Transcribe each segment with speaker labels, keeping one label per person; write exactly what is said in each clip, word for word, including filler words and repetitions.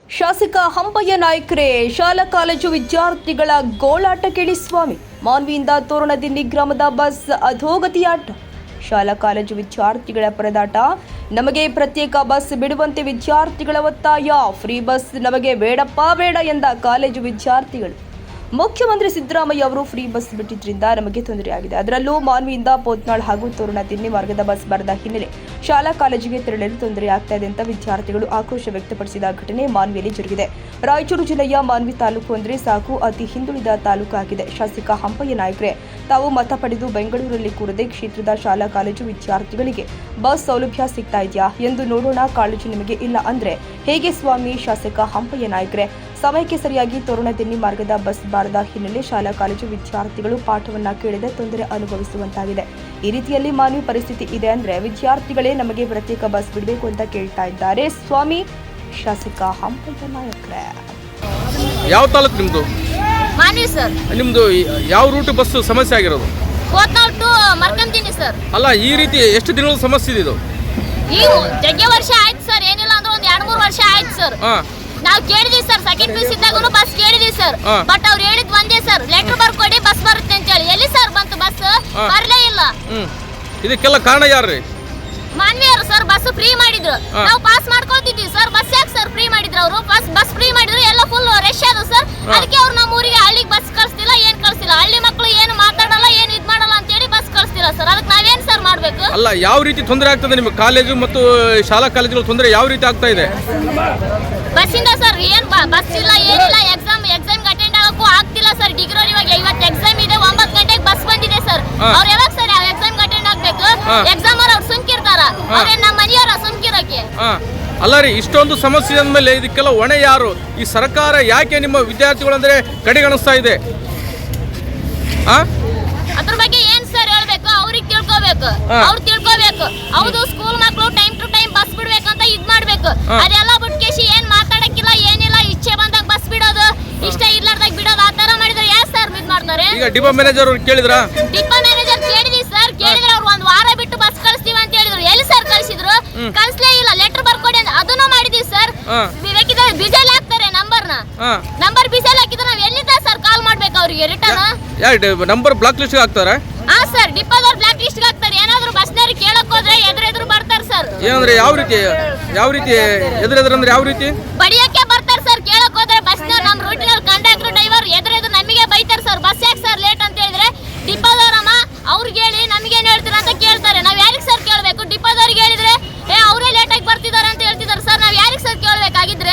Speaker 1: ಶಾಸಕ ಹಂಪಯ್ಯ ನಾಯ್ಕರೇ ಶಾಲಾ ಕಾಲೇಜು ವಿದ್ಯಾರ್ಥಿಗಳ ಗೋಳಾಟ ಕೇಳಿ ಸ್ವಾಮಿ. ಮಾನ್ವಿಯಿಂದ ತೋರಣದಿನ್ನಿ ಗ್ರಾಮದ ಬಸ್ ಅಧೋಗತಿಯಾಟ. ಶಾಲಾ ಕಾಲೇಜು ವಿದ್ಯಾರ್ಥಿಗಳ ಪರದಾಟ. ನಮಗೆ ಪ್ರತ್ಯೇಕ ಬಸ್ ಬಿಡುವಂತೆ ವಿದ್ಯಾರ್ಥಿಗಳ ಒತ್ತಾಯ. ಫ್ರೀ ಬಸ್ ನಮಗೆ ಬೇಡಪ್ಪ ಬೇಡ ಎಂದ ಕಾಲೇಜು ವಿದ್ಯಾರ್ಥಿಗಳು. ಮುಖ್ಯಮಂತ್ರಿ ಸಿದ್ದರಾಮಯ್ಯ ಅವರು ಫ್ರೀ ಬಸ್ ಬಿಟ್ಟಿದ್ರಿಂದ ನಮಗೆ ತೊಂದರೆಯಾಗಿದೆ. ಅದರಲ್ಲೂ ಮಾನ್ವಿಯಿಂದ ಪೋತ್ನಾಳ್ ಹಾಗೂ ತೋರಣದಿನ್ನಿ ಮಾರ್ಗದ ಬಸ್ ಬರದ ಹಿನ್ನೆಲೆ ಶಾಲಾ ಕಾಲೇಜಿಗೆ ತೆರಳಲು ತೊಂದರೆಯಾಗ್ತಾ ಇದೆ ಅಂತ ವಿದ್ಯಾರ್ಥಿಗಳು ಆಕ್ರೋಶ ವ್ಯಕ್ತಪಡಿಸಿದ ಘಟನೆ ಮಾನ್ವಿಯಲ್ಲಿ ಜರುಗಿದೆ. ರಾಯಚೂರು ಜಿಲ್ಲೆಯ ಮಾನ್ವಿ ತಾಲೂಕು ಅಂದರೆ ಸಾಕು ಅತಿ ಹಿಂದುಳಿದ ತಾಲೂಕು ಆಗಿದೆ. ಶಾಸಕ ಹಂಪಯ್ಯ ನಾಯ್ಕರೇ ತಾವು ಮತ ಪಡೆದು ಬೆಂಗಳೂರಲ್ಲಿ ಕೂರದೆ ಕ್ಷೇತ್ರದ ಶಾಲಾ ಕಾಲೇಜು ವಿದ್ಯಾರ್ಥಿಗಳಿಗೆ ಬಸ್ ಸೌಲಭ್ಯ ಸಿಗ್ತಾ ಇದೆಯಾ ಎಂದು ನೋಡೋಣ. ಕಾಲೇಜು ನಿಮಗೆ ಇಲ್ಲ ಅಂದ್ರೆ ಹೇಗೆ ಸ್ವಾಮಿ? ಶಾಸಕ ಹಂಪಯ್ಯ ನಾಯ್ಕರೇ ಸಮಯಕ್ಕೆ ಸರಿಯಾಗಿ ತೋರಣದಿನ್ನಿ ಮಾರ್ಗದ ಬಸ್ ಬಾರದ ಹಿನ್ನೆಲೆ ಶಾಲಾ ಕಾಲೇಜು ವಿದ್ಯಾರ್ಥಿಗಳು ಪಾಠವನ್ನ ಕೇಳದೆ ತೊಂದರೆ ಅನುಭವಿಸುವಂತಾಗಿದೆ. ಈ ರೀತಿಯಲ್ಲಿ ಮಾನವ ಪರಿಸ್ಥಿತಿ ಇದೆ ಅಂದ್ರೆ ವಿದ್ಯಾರ್ಥಿಗಳೇ ನಮಗೆ ಪ್ರತ್ಯೇಕ ಬಸ್ ಬಿಡಬೇಕು ಅಂತ ಕೇಳ್ತಾ ಇದ್ದಾರೆ ಸ್ವಾಮಿ. ಶಾಸಕ ಹಂಪಯ್ಯ ನಾಯ್ಕರೇ.
Speaker 2: ಯಾವ ತಾಲೂಕು ನಿಮ್ದು?
Speaker 3: ಮಾನ್ವಿ ಸರ್.
Speaker 2: ನಿಮ್ದು ಯಾವ ರೂಟ್ ಬಸ್ ಸಮಸ್ಯೆ ಆಗಿರೋದು?
Speaker 3: Potnal to Markanthini sir.
Speaker 2: ಅಲ್ಲ, ಈ ರೀತಿ ಎಷ್ಟು ದಿನಗಳ ಸಮಸ್ಯೆ ಇದೆ ಇದು?
Speaker 3: ಈ ಜಗ್ಗೆ ವರ್ಷ ಆಯ್ತು ಸರ್, ಏನಿಲ್ಲ ಅಂದ್ರೆ ಒಂದ್ ಎರಡ್ ಮೂರು ವರ್ಷ ಆಯ್ತು ಸರ್. ನಾವು ಕೇಳಿದ್ವಿ ಸರ್, ಸೆಕೆಂಡ್ ಪೀಸ್ ಇದ್ದಾಗೂ ಬಸ್ ಕೇಳಿದ್ವಿ ಸರ್. ಬಟ್ ಅವ್ರು ಹೇಳಿದ್ ಒಂದೇ ಸರ್, ಲೆಟರ್ ಬರ್ಕೊಡಿ ಬಸ್ ಬರುತ್ತೆ ಅಂತ ಹೇಳಿ. ಎಲ್ಲಿ ಸರ್ ಬಂತು ಬಸ್? ಬರ್ಲೇ ಇಲ್ಲ.
Speaker 2: ಇದಕ್ಕೆಲ್ಲ ಕಾರಣ ಯಾರ್ರಿ?
Speaker 3: ಮಾನ್ವಿಯರು ಸರ್. ಬಸ್ ಫ್ರೀ ಮಾಡಿದ್ರು, ನಾವು ಪಾಸ್ ಮಾಡ್ಕೊತಿದ್ವಿ ಸರ್. ಬಸ್ ಯಾಕೆ ಸರ್ ಫ್ರೀ ಮಾಡಿದ್ರು? ಅವರು ಬಸ್ ಬಸ್ ಫ್ರೀ ಮಾಡಿದ್ರು, ಎಲ್ಲ ಫುಲ್ ರಶ್ ಅದು ಸರ್. ಅದಕ್ಕೆ ಅವ್ರು ನಮ್ಮ ಊರಿಗೆ ಹಳ್ಳಿಗೆ ಬಸ್ ಕಳಿಸ್ತಿಲ್ಲ, ಏನ್ ಕಳಿಸ್ತಿಲ್ಲ. ಹಳ್ಳಿ ಮಕ್ಕಳು ಏನು ಮಾತಾಡಲ್ಲ, ಏನು ಇದ್ ಮಾಡಲ್ಲ ಅಂತ ಹೇಳಿ ಬಸ್ ಕಳಿಸ್ತಿಲ್ಲ ಸರ್. ಅದಕ್ಕೆ ನಾವೇನ್ ಸರ್ ಮಾಡ್ಬೇಕು?
Speaker 2: ಅಲ್ಲ, ಯಾವ ರೀತಿ ತೊಂದರೆ ಆಗ್ತದೆ ನಿಮಗೆ? ಕಾಲೇಜು ಮತ್ತು ಶಾಲಾ ಕಾಲೇಜುಗಳ ತೊಂದರೆ ಯಾವ ರೀತಿ ಆಗ್ತಾ ಇದೆ?
Speaker 3: ಬಸ್ಸಿಂದ ಸರ್ ಏನ್ ಬಸ್ ಇಲ್ಲ, ಏನಿಲ್ಲ. ಎಕ್ಸಾಮ್ ಎಕ್ಸಾಮ್ ಅಟೆಂಡ್ ಆಗಕ್ಕೂ ಆಗ್ತಿಲ್ಲ ಸರ್. ಡಿಗ್ರಿ ಇವಾಗ ಇವತ್ತು ಎಕ್ಸಾಮ್ ಇದೆ, ಒಂಬತ್ತು ಗಂಟೆಗೆ ಬಸ್ ಬಂದಿದೆ ಸರ್. ಅವ್ರು ಯಾವಾಗ ಸರ್ ಎಕ್ಸಾಮ್ ಅಟೆಂಡ್ ಆಗ್ಬೇಕು? ಎಕ್ಸಾಮ್ ಅವ್ರು ಸುಮ್ಕಿರ್ತಾರ, ಅವ್ರೆ ನಮ್ಮ ಮನೆಯವರ ಸುಮ್ಕಿರಕ್ಕೆ.
Speaker 2: ಅಲ್ಲ ರೀ, ಇಷ್ಟೊಂದು ಸಮಸ್ಯೆ ಅಂದಮೇಲೆ ಇದಕ್ಕೆಲ್ಲ ಹೊಣೆ ಯಾರು? ಈ ಸರ್ಕಾರ ಯಾಕೆ ನಿಮ್ಮ ವಿದ್ಯಾರ್ಥಿಗಳಂದ್ರೆ ಕಡೆಗಣಿಸ್ತಾ ಇದೆ?
Speaker 3: ಅದ್ರ ಬಗ್ಗೆ ಏನ್ ಸರ್ ಹೇಳ್ಬೇಕು? ಅವ್ರಿಗೆ ತಿಳ್ಕೊಬೇಕು, ಅವ್ರು ತಿಳ್ಕೊಬೇಕು. ಹೌದು, ಸ್ಕೂಲ್ ಮಕ್ಕಳು ಟೈಮ್ ಟು ಟೈಮ್ ಬಸ್ ಬಿಡ್ಬೇಕಂತ ಇದ್ ಮಾಡ್ಬೇಕು. ಅದೆಲ್ಲ ಬಿಟ್ಕೇಶಿ ಏನ್ ಮಾತಾಡಕ್ಕಿಲ್ಲ, ಏನಿಲ್ಲ. ಇಚ್ಛೆ ಬಂದಾಗ ಬಸ್ ಬಿಡೋದು, ಇಷ್ಟ ಇರ್ಲಾರ್ದಾಗ ಬಿಡೋದು, ಆ ತರ ಮಾಡಿದ್ರೆ ಯಾರು ಸರ್ ಇದ್ ಮಾಡ್ತಾರೆ?
Speaker 2: ಈಗ ಡಿಪೋ ಮ್ಯಾನೇಜರ್ ಅವ್ರು ಕೇಳಿದ್ರ?
Speaker 3: ಡಿಪೋ ಮ್ಯಾನೇಜರ್ ಕೇಳಿದ್ವಿ ಸರ್. ಕೇಳಿದ್ರೆ ಅವ್ರು ಒಂದ್ ವಾರ ಬಿಟ್ಟು ಬಸ್ ಕಳಿಸ್ತೀವಿ ಅಂತ ಹೇಳಿದ್ರು. ಎಲ್ಲಿ ಸರ್ ಕಳಿಸಿದ್ರು? ಕಳಿಸ್ಲೇ ಇಲ್ಲ. ಲೆಟರ್ ಬರ್ಕೊಡಿ ಅಂತ ಅದನ್ನು ಮಾಡಿದ್ವಿ ಸರ್. ಬೇಕಿದ್ರೆ ಬಿಜಲ್ ಹಾಕ್ತಾರೆ ನಂಬರ್ನ. ನಂಬರ್ ಬಿಜಲ್ ಹಾಕಿದ್ರೆ ನಾವ್ ಎಲ್ಲಿಂದ ಸರ್ ಕಾಲ್ ಮಾಡ್ಬೇಕು ಅವ್ರಿಗೆ ರಿಟರ್ನ್?
Speaker 2: ನಂಬರ್ ಬ್ಲಾಕ್ ಲಿಸ್ಟ್ ಹಾಕ್ತಾರೆ?
Speaker 3: ಹಾ ಸರ್, ಡಿಪೋದವ್ರು ಬ್ಲಾಕ್ ಲಿಸ್ಟ್ ಹಾಕ್ತಾರೆ. ಏನಾದ್ರು ಬಸ್ನವ್ರು ಕೇಳಕ್ ಹೋದ್ರೆ ಎದುರು ಎದುರು ಬರ್ತಾರೆ ಸರ್.
Speaker 2: ಏನಂದ್ರೆ ಯಾವ ರೀತಿ ಯಾವ ರೀತಿ ಎದುರು ಎದುರು ಅಂದ್ರೆ ಯಾವ ರೀತಿ?
Speaker 3: ಬಡಿಯಕ್ಕೆ ಬರ್ತಾರೆ ಸರ್. ಕೇಳಕ್ ಹೋದ್ರೆ ಬಸ್ನವ್ರು ನಮ್ಮ ರೂಟಿನಲ್ಲಿ ಕಂಡಕ್ಟರ್ ಡ್ರೈವರ್ ಎದುರು ಎದುರು ನಮಗೆ ಬೈತಾರೆ ಸರ್. ಬಸ್ ಯಾಕೆ ಸರ್ ಲೇಟ್ ಅಂತ ಹೇಳಿದ್ರೆ ಡಿಪೋದವ್ರಮ್ಮ ಅವ್ರಿಗೆ ಹೇಳಿ ನಮಗೇನು ಹೇಳ್ತೀರ ಅಂತ ಕೇಳ್ತಾರೆ. ನಾವ್ ಯಾರಿಗೆ ಸರ್ ಕೇಳ್ಬೇಕು? ಡಿಪೋದವ್ರಿಗೆ ಹೇಳಿದ್ರೆ ಏ ಅವರೇ ಲೇಟ್ ಆಗಿ ಬರ್ತಿದ್ದಾರೆ ಅಂತ ಹೇಳ್ತಿದ್ದಾರೆ ಸರ್. ನಾವ್ ಯಾರಿಗೆ ಸರ್ ಕೇಳ್ಬೇಕಾಗಿದ್ರೆ?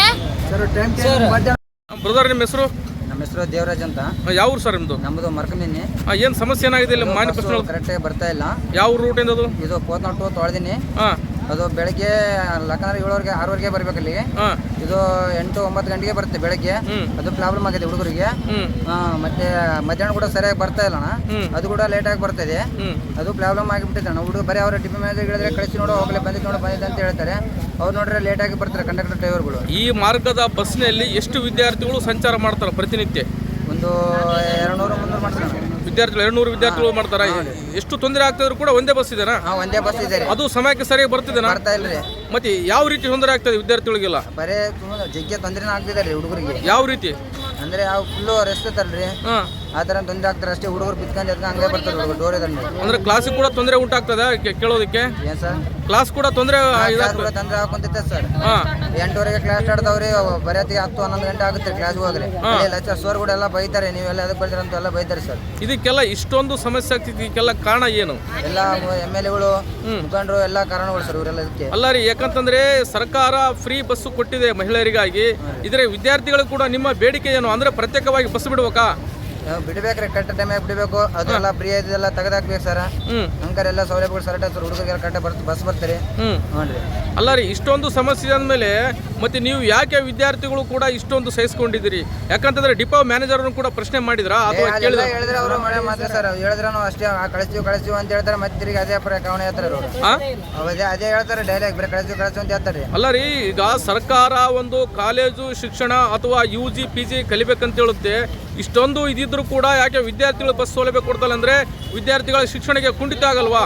Speaker 2: ಬ್ರದರ್, ನಿಮ್ಮ ಹೆಸರು?
Speaker 4: ನಮ್ಮ ಹೆಸರು ದೇವರಾಜ್ ಅಂತ.
Speaker 2: ಯಾವ ಊರು ಸರ್ ನಿಮ್ದು?
Speaker 4: ನಮ್ಮದು ಮರ್ಕಂದಿನಿ.
Speaker 2: ಏನ್ ಸಮಸ್ಯೆ ಏನಾಗಿದೆ ಇಲ್ಲಿ? ಮಾನ್ಯ
Speaker 4: ಕರೆಕ್ಟಾಗಿ ಬರ್ತಾ ಇಲ್ಲ.
Speaker 2: ಯಾವ ರೂಟ್ ಇಂದ ಅದು?
Speaker 4: ಇದು ಪೋತ್ನಾಳ್ ಟು ತೊಳೆದಿನಿ. ಅದು ಬೆಳಗ್ಗೆ ಲಕ್ಕಂದ್ರೆ ಏಳುವರೆಗೆ ಆರೂವರೆಗೆ ಬರ್ಬೇಕು ಅಲ್ಲಿಗೆ. ಇದು ಎಂಟು ಒಂಬತ್ತು ಗಂಟೆಗೆ ಬರುತ್ತೆ ಬೆಳಗ್ಗೆ. ಅದು ಪ್ರಾಬ್ಲಮ್ ಆಗಿದೆ ಹುಡುಗರಿಗೆ. ಮತ್ತೆ ಮಧ್ಯಾಹ್ನ ಕೂಡ ಸರಿಯಾಗಿ ಬರ್ತಾ ಇಲ್ಲ ಅಣ್ಣ. ಅದು ಕೂಡ ಲೇಟ್ ಆಗಿ ಬರ್ತದೆ. ಅದು ಪ್ರಾಬ್ಲಮ್ ಆಗಿಬಿಟ್ಟಿದೆ ಅಣ್ಣ. ಹುಡುಗ ಬರೀ ಅವ್ರ ಡಿಪೋ ಮ್ಯಾನೇಜರ್ ಹೇಳಿದ್ರೆ ಕಳಿಸಿ ನೋಡೋ ಹೋಗ್ಲಿ, ಬಂದಿದ್ದು ನೋಡೋ ಬಂದಿದೆ ಅಂತ ಹೇಳ್ತಾರೆ. ಅವ್ರು ನೋಡ್ರೆ ಲೇಟ್ ಆಗಿ ಬರ್ತಾರೆ ಕಂಡಕ್ಟರ್ ಡ್ರೈವರ್ಗಳು.
Speaker 2: ಈ ಮಾರ್ಗದ ಬಸ್ನಲ್ಲಿ ಎಷ್ಟು ವಿದ್ಯಾರ್ಥಿಗಳು ಸಂಚಾರ ಮಾಡ್ತಾರೆ ಪ್ರತಿನಿತ್ಯ?
Speaker 4: ಒಂದು ಎರಡು ನೂರು ಮುನ್ನೂರು ಮಾಡ್ತಾರೆ
Speaker 2: ವಿದ್ಯಾರ್ಥಿಗಳು. ಎರಡು ನೂರು ವಿದ್ಯಾರ್ಥಿಗಳು ಮಾಡ್ತಾರ. ಎಷ್ಟು ತೊಂದರೆ ಆಗ್ತಿದ್ರು ಕೂಡ ಒಂದೇ ಬಸ್ ಇದೆನಾ?
Speaker 4: ಒಂದೇ ಬಸ್ ಇದೆ.
Speaker 2: ಅದು ಸಮಯಕ್ಕೆ ಸರಿಯಾಗಿ ಬರ್ತಿದೆ
Speaker 4: ಬರ್ತಾ ಇಲ್ರಿ.
Speaker 2: ಮತ್ತೆ ಯಾವ ರೀತಿ ತೊಂದರೆ ಆಗ್ತದೆ ವಿದ್ಯಾರ್ಥಿಗಳಿಗೆಲ್ಲ?
Speaker 4: ಬರೇ ಜಗ್ಗೆ ತೊಂದರೆನ ಆಗ್ತಿದ್ದಾರೆ ಹುಡುಗರಿಗೆ.
Speaker 2: ಯಾವ ರೀತಿ
Speaker 4: ಅಂದ್ರೆ ಯಾವ ಫುಲ್ಲು ರೆಸ್ಟ್ ಇರ್ತಾರಲ್ರಿ, ಆ ತರ ತೊಂದರೆ ಆಗ್ತಾರೆ ಅಷ್ಟೇ. ಹುಡುಗರು ಬಿತ್ಕೊಂಡು ಎದ್ಕೊಂಡು ಹಂಗೆ ಬರ್ತಾರೆ ಹುಡುಗರು ಡೋರ್ ಇದ್ರೆ. ಅಂದ್ರೆ
Speaker 2: ಕ್ಲಾಸಿಗೆ ಕೂಡ ತೊಂದರೆ ಉಂಟಾಗ್ತದೆ ಕೇಳೋದಕ್ಕೆ? ಏನ್ ಸರ್, ಕ್ಲಾಸ್ ಕೂಡ ತೊಂದರೆ
Speaker 4: ತೊಂದರೆ ಹಾಕೊಂತೈತೆ ಸರ್. ಎಂಟುವರೆಗೆ ಕ್ಲಾಸ್ ಸ್ಟಾರ್ಟ್ ಅವ್ರಿ, ಬರೆಯತ್ತಿಗೆ ಹತ್ತು ಹನ್ನೊಂದು ಗಂಟೆ ಆಗುತ್ತೆ ಕ್ಲಾಸ್ಗೆ ಹೋಗ್ರಿ. ಲೆಕ್ಚರ್ ಸರ್ ಕೂಡ ಎಲ್ಲ ಬೈತಾರೆ, ನೀವೆಲ್ಲ ಅದಕ್ಕೆ ಬರ್ತೀರ ಅಂತ ಎಲ್ಲ ಬೈತಾರೆ ಸರ್.
Speaker 2: ಇದಕ್ಕೆಲ್ಲ ಇಷ್ಟೊಂದು ಸಮಸ್ಯೆ ಆಗ್ತಿದೆ, ಇದಕ್ಕೆಲ್ಲ ಕಾರಣ ಏನು?
Speaker 4: ಎಲ್ಲ ಎಮ್ ಎಲ್ ಎಗಳು ಮುಖಂಡರು ಎಲ್ಲ ಕಾರಣಗಳು ಸರ್ ಇವರೆಲ್ಲ ಇದಕ್ಕೆ.
Speaker 2: ಅಲ್ಲ ರೀ, ಯಾಕಂತಂದ್ರೆ ಸರ್ಕಾರ ಫ್ರೀ ಬಸ್ ಕೊಟ್ಟಿದೆ ಮಹಿಳೆಯರಿಗಾಗಿ. ಇದ್ರೆ ವಿದ್ಯಾರ್ಥಿಗಳು ಕೂಡ ನಿಮ್ಮ ಬೇಡಿಕೆ ಏನು ಅಂದ್ರೆ ಪ್ರತ್ಯೇಕವಾಗಿ ಬಸ್ ಬಿಡ್ಬೇಕಾ?
Speaker 4: ಬಿಡ್ಬೇಕ್ರಿ, ಕರೆಕ್ಟ್ ಟೈಮಿಗೆ ಬಿಡಬೇಕು. ಅದೆಲ್ಲ ಫ್ರೀ ಇದೆಲ್ಲ ತೆಗೆದಾಕ್ಬೇಕು ಸರ್. ಹಂಗಾರೆ ಎಲ್ಲ ಸೌಲಭ್ಯಗಳು ಸರ್ ಹುಡುಗರಿಗೆ ಕರೆಕ್ಟ್ ಬರ್ತ ಬಸ್ ಬರ್ತಾರೆ. ನೋಡ್ರಿ,
Speaker 2: ಅಲ್ಲ ರೀ, ಇಷ್ಟೊಂದು ಸಮಸ್ಯೆ ಅಂದಮೇಲೆ ಮತ್ತೆ ನೀವು ಯಾಕೆ ವಿದ್ಯಾರ್ಥಿಗಳು ಕೂಡ ಇಷ್ಟೊಂದು ಸಹಿಸ್ಕೊಂಡಿದ್ದೀರಿ? ಯಾಕಂತಂದ್ರೆ ಡಿಪೋ ಮ್ಯಾನೇಜರ್ ಕೂಡ ಪ್ರಶ್ನೆ ಮಾಡಿದ್ರಾ ಅಥವಾ ಕೇಳಿದ್ರೆ?
Speaker 4: ಹೇಳಿದ್ರೆ ಅವರು ಮಳೆ ಮಾತ್ರ ಸರ್. ಹೇಳಿದ್ರೆ ನಾವು ಅಷ್ಟೇ ಕಳಿಸ್ತೀವಿ ಕಳಿಸ್ತೀವಿ ಅಂತ ಹೇಳ್ತಾರೆ. ಮತ್ತೆ ತಿರುಗಿ ಅದೇ ಪ್ರಕರಣ ಹೇಳ್ತಾರೆ ಅವರು. ಅದೇ ಅದೇ ಹೇಳ್ತಾರೆ ಡೈರೆಕ್ಟ್, ಬರೀ ಕಳಿಸ್ತೀವಿ ಕಳಿಸ್ತೀವಿ ಅಂತ ಹೇಳ್ತಾರೆ.
Speaker 2: ಅಲ್ಲ ರೀ, ಈಗ ಸರ್ಕಾರ ಒಂದು ಕಾಲೇಜು ಶಿಕ್ಷಣ ಅಥವಾ ಯು ಜಿ ಪಿ ಜಿ ಕಲಿಬೇಕಂತ ಹೇಳುತ್ತೆ. ಇಷ್ಟೊಂದು ಇದಿದ್ರು ಕೂಡ ಯಾಕೆ ವಿದ್ಯಾರ್ಥಿಗಳು ಬಸ್ ಸೌಲಭ್ಯ ಕೊಡ್ತಲ್ಲ ಅಂದ್ರೆ ವಿದ್ಯಾರ್ಥಿಗಳ ಶಿಕ್ಷಣಕ್ಕೆ ಕುಂಠಿತ ಆಗಲ್ವಾ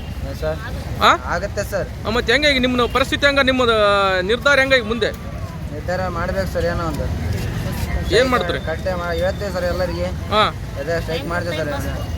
Speaker 4: ಸರ್? ಆಗುತ್ತೆ ಸರ್.
Speaker 2: ಮತ್ತೆ ಹೆಂಗೆ ನಿಮ್ಮ ಪರಿಸ್ಥಿತಿ ಹೆಂಗ, ನಿಮ್ಮ ನಿರ್ಧಾರ ಹೆಂಗ ಮುಂದೆ?
Speaker 4: ನಿರ್ಧಾರ ಮಾಡ್ಬೇಕು ಸರ್ ಏನೋ ಒಂದು
Speaker 2: ಏನು ಮಾಡ್ತೀರಿ?
Speaker 4: ಕಟ್ಟೆ ಹೇಳ್ತೇವೆ ಸರ್ ಎಲ್ಲರಿಗೆ
Speaker 2: ಹಾಂ
Speaker 4: ಅದೇ ಸ್ಟ್ರೈಕ್ ಮಾಡ್ತೇವೆ ಸರ್